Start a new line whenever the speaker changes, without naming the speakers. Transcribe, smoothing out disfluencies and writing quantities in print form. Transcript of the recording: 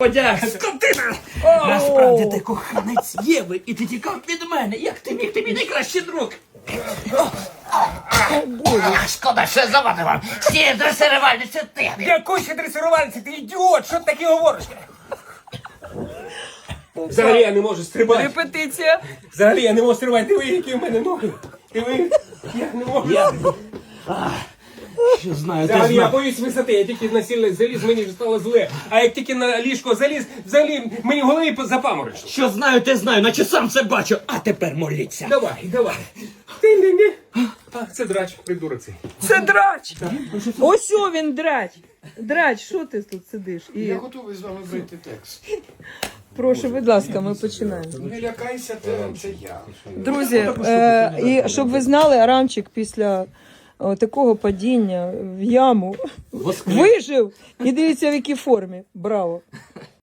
Подяг, скотина! Насправді ти коханець Єви, і ти тікав від мене. Як ти міг? Ти мій найкращий друг. Шкода, що я завадив вам. Всі дресирувальниці ти.
Якої ще дресирувальниці? Ти ідіот! Що ти таке говориш?
Взагалі я не можу стрибати.
Репетиція.
Взагалі я не можу стрибати. Диви, які в мене ноги. Диви, я не можу.
Що знаю, ти
Взагалі я
знав.
боюсь висоти. Я тільки на сіль заліз, мені вже стало зле. А як тільки на ліжко заліз, взагалі мені в голові запаморочило.
Що знаю, ти знаю, наче сам це бачу. А тепер моліться.
Давай. Ти. А, це драч, придурок цей.
Це драч. Ось о він драч. Драч, що ти тут сидиш?
Я готовий з вами вийти текст.
Прошу, будь ласка, ми починаємо.
Не лякайся, це я.
Друзі, і щоб ви знали, Арамчик після такого падіння в яму вижив. І дивіться, в якій формі. Браво.